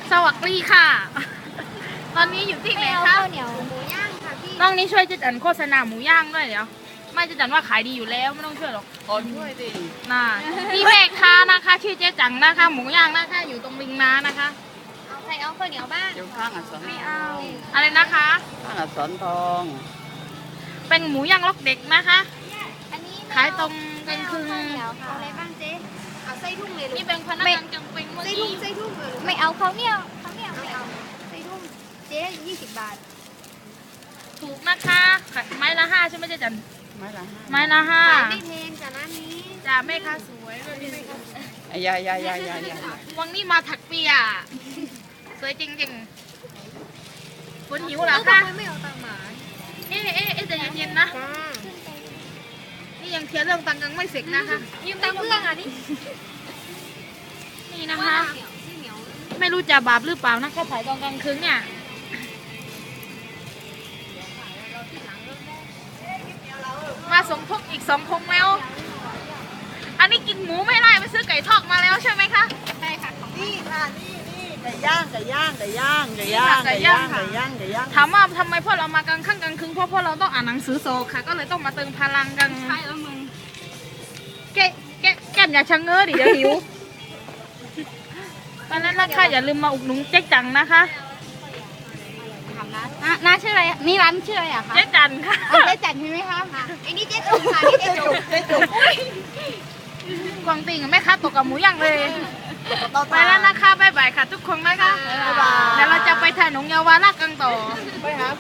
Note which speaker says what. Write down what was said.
Speaker 1: สวัสดีค่ะ ตอนนี้อยู่ที่ไหนคะ
Speaker 2: ข้าวเหนียวหมูย่างค่ะพี่
Speaker 1: ต้องนี้ช่วยเจ๊จันโฆษณาหมูย่างด้วยเดี๋ยวไม่เจ๊จันว่าขายดีอยู่แล้วไม่ต้องช่วยหรอก
Speaker 3: ขอช่วยดิ
Speaker 1: น่าพี่แม่ค้านะคะชื่อเจ๊จังนะคะหมูย่างนะคะอยู่ตรงริมน้านะคะ
Speaker 2: เอาใครเอาข้าวเหนียวบ้าง
Speaker 3: เดี๋ยวข้างอักษร
Speaker 2: ไม่เอา
Speaker 1: อะไรนะคะ
Speaker 3: ข้างอักษรทอง
Speaker 1: เป็นหมูย่างล็อกเด็กนะคะ
Speaker 2: อันนี้
Speaker 1: ขายตรงกลางคืน
Speaker 2: ข้าวเหนียวค่ะเอาอะไรบ้างเจ๊เอาไส้ทุ่งเลย
Speaker 1: นี่เป็นพนักงานกลางเป็นเมื่อ
Speaker 2: ไส้ทุ่
Speaker 1: กี้
Speaker 2: งไส้ทุ่งไม่เอาข้าวเหนียวไม่เอาไส้ทุ่งเจ๊20 บาท
Speaker 1: ถูกนะคะขายไม้ละ5ใช่ไหมเจ๊จัน
Speaker 3: ไม้ละ
Speaker 1: ไม้ละ5
Speaker 2: ขายไม่แพงจากร้านนี้
Speaker 1: จ้าแม่ค้าสวยเลยนี่แม่ค้าสวย
Speaker 3: 5ยาย
Speaker 1: วันนี้มาถักเปียสวยจริงๆคุณหิวเหรอคะ
Speaker 2: ทำไมไม่เอาตังค์หมา
Speaker 1: เอ๊ะใจเย็นๆนะ
Speaker 2: จ้า
Speaker 1: นี่ยังเคลียร์เรื่องตังค์ยังไม่เสร็จนะคะ
Speaker 2: ยืมตังค์เพื่อนอ่ะนี่
Speaker 1: นี่นะคะ
Speaker 2: เหนียว
Speaker 1: ไม่รู้จะบาปหรือเปล่านะเขาขายตอนกลางคืนเนี่ยมาสมทบอีก2 พงแล้ว อันนี้กินหมูไม่ได้ไปซื้อไก่ทอดมาแล้วใช่ไหมคะ
Speaker 2: ใช่ค่ะ
Speaker 3: นี่ค่ะนี่ไก่ย่าง
Speaker 1: ถามว่าทำไมพวกเรามากลางค่ำกลางคืนเพราะพวกเราต้องอ่านหนังสือโซค่ะ ก็เลยต้องมาเติมพลังกันใช่แล้วมึงแก้มอย่าชะเง้อดิเดี๋ยวหิวตอนนั้นนะคะอย่าลืมมาอุดหนุนเจ๊จังนะคะ
Speaker 2: ถามน้าชื่ออะไรนี่ร้านชื่ออะไรอะคะ
Speaker 1: เจ๊จันค่ะ
Speaker 2: เอาเจ๊จัดใช่ไหมคะไอ้นี่เจ๊จุกค่ะนี่เจ๊จุก
Speaker 1: กวางติงแม่ค้าตกกับหมูย่างเลยไปแล้วนะคะบ๊ายบายค่ะทุกคนนะคะ
Speaker 3: บ๊ายบาย
Speaker 1: เดี๋ยวเราจะไปถ่ายหนงเยาวราชกันต่อ
Speaker 3: ไปหา